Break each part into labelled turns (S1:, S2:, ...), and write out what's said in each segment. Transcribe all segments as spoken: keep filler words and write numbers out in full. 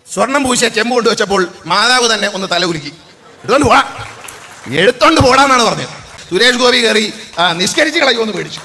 S1: സ്വർണം പൂശിയ ചെമ്പ് കൊണ്ട് വെച്ചപ്പോൾ മാതാവ് തന്നെ ഒന്ന് തല ഉരുക്കി എടുത്തോണ്ട് പോടാ എടുത്തോണ്ട് പോടാന്നാണ് പറഞ്ഞത്. സുരേഷ് ഗോപി കയറി നിഷ്കരിച്ച് കളയുമെന്ന് പേടിച്ചു.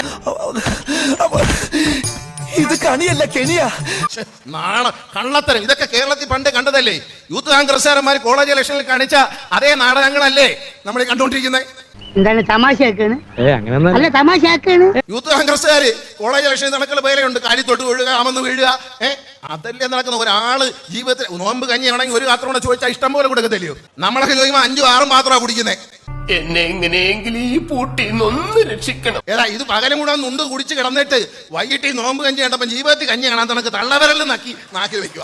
S2: ഇത് കണിയല്ല കെണിയാ.
S1: നാണ കള്ളത്തരം ഇതൊക്കെ കേരളത്തിൽ പണ്ട് കണ്ടതല്ലേ? യൂത്ത് കോൺഗ്രസ്സുകാരന്മാർ കോളേജ് ഇലക്ഷനിൽ കാണിച്ച അതേ നാടകങ്ങളല്ലേ നമ്മൾ കണ്ടുകൊണ്ടിരിക്കുന്നത്?
S3: എന്താണ് തമാശയാക്കാണ്? അല്ല തമാശയാക്കാണ്.
S1: യൂത്ത് കോൺഗ്രസ്സുകാര് കോളേജ് ഇലക്ഷനിൽ നടക്കുന്ന പേരുണ്ട്, കാര്യത്തോട്ട് വീഴുക, അമന്ന് വീഴുക. ഏഹ് അതല്ലേ നടക്കുന്ന. ഒരാള് ജീവിതത്തിൽ നോമ്പ് കഞ്ഞിയാണെങ്കിൽ ഒരു പാത്രം കൂടെ ചോദിച്ചാൽ ഇഷ്ടം പോലെ കൊടുക്കത്തില്ലയോ? നമ്മളൊക്കെ ചോദിക്കുമ്പോൾ അഞ്ചും ആറും പാത്രമാണ് കുടിക്കുന്നത്.
S4: എന്നെ എങ്ങനെയെങ്കിലും ഈ പൂട്ടിന്നൊന്ന് രക്ഷിക്കണം.
S1: ഏതാ ഇത് പകലും കൂടെ നുണ്ട് കുടിച്ച് കിടന്നിട്ട് വൈകിട്ട് ഈ നോമ്പ് കഞ്ഞി കണ്ടപ്പോൾ ജീവിതത്തിൽ കഞ്ഞി കാണാൻ തനക്ക് തള്ളവരലും നക്കി നാക്കി വെക്കുക.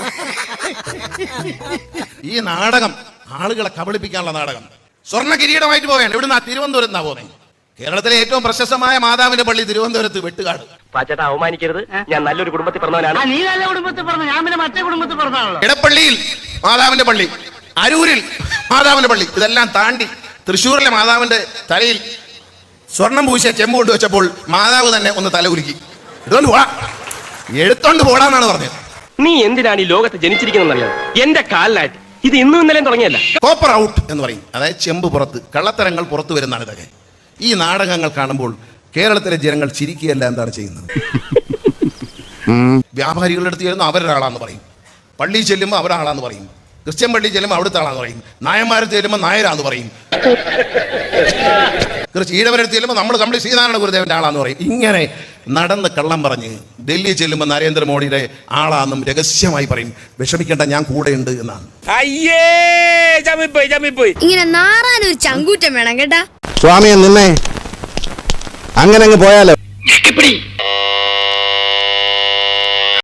S1: ഈ നാടകം ആളുകളെ കബളിപ്പിക്കാനുള്ള നാടകം. സ്വർണ്ണ കിരീടമായിട്ട് പോവുകയാണ്. ഇവിടുന്ന് തിരുവനന്തപുരത്ത് നിന്നാ പോകുന്നത്. കേരളത്തിലെ ഏറ്റവും പ്രശസ്തമായ മാതാവിന്റെ പള്ളി തിരുവനന്തപുരത്ത് വെട്ടുകാട്.
S5: പാച്ചേട്ടാ അവമാനിക്കരുത്, ഞാൻ നല്ലൊരു കുടുംബത്തിൽ പറഞ്ഞവനാണ്.
S3: നീ നല്ല കുടുംബത്തിൽ പറഞ്ഞു, ഞാൻ പിന്നെ മറ്റേ കുടുംബത്തിൽ പറഞ്ഞാണല്ലോ.
S1: ഇടപ്പള്ളിയിൽ മാതാവിന്റെ പള്ളി, അരൂരിൽ മാതാവിന്റെ പള്ളി, ഇതെല്ലാം താണ്ടി തൃശ്ശൂരിലെ മാതാവിന്റെ തലയിൽ സ്വർണം പൂശിയ ചെമ്പ് കൊണ്ട് വെച്ചപ്പോൾ മാതാവ് തന്നെ ഒന്ന് തല ഉരുക്കി എടുത്തോണ്ട് പോടാ എടുത്തോണ്ട് പോടാന്നാണ് പറഞ്ഞത്.
S5: നീ എന്തിനാണ് ഈ ലോകത്ത് ജനിച്ചിരിക്കുന്നറിയാം? എന്റെ കാലിലായിട്ട് ഇത് ഇന്നും ഇന്നലെയും തുടങ്ങിയല്ല.
S1: കോപ്പർ ഔട്ട് എന്ന് പറയും, അതായത് ചെമ്പ് പുറത്ത്, കള്ളത്തരങ്ങൾ പുറത്തു വരുന്നതാണ് ഇതൊക്കെ. ഈ നാടകങ്ങൾ കാണുമ്പോൾ കേരളത്തിലെ ജനങ്ങൾ ചിരിക്കുകയല്ല, എന്താണ് ചെയ്യുന്നത്? വ്യാപാരികളുടെ അടുത്ത് ചെല്ലുമ്പോൾ അവരൊരാളാന്ന് പറയും, പള്ളി ചെല്ലുമ്പോൾ അവരാളാന്ന് പറയും, ക്രിസ്ത്യൻ പള്ളി ചെല്ലുമ്പോൾ അവിടുത്തെ ആളാന്ന് പറയും, നായന്മാരത്ത് ചെല്ലുമ്പോൾ നായരാന്ന് പറയും, ഈഴവരടുത്ത് ചെല്ലുമ്പോൾ നമ്മൾ കമ്പിളി ശ്രീനാരായണ ഗുരുദേവന്റെ ആളാന്ന് പറയും. ഇങ്ങനെ നടന്ന് കള്ളം പറഞ്ഞ് ഡൽഹി ചെല്ലുമ്പോൾ നരേന്ദ്രമോദിയുടെ ആളാന്നും രഹസ്യമായി പറയും. വിഷമിക്കേണ്ട, ഞാൻ കൂടെയുണ്ട് എന്നാണ്.
S6: ഇങ്ങനെ നാറാനൊരു ചങ്കൂറ്റം വേണം കേട്ടാ.
S2: സ്വാമിയെ നിന്നെ അങ്ങനെ അങ്ങ് പോയാലോ.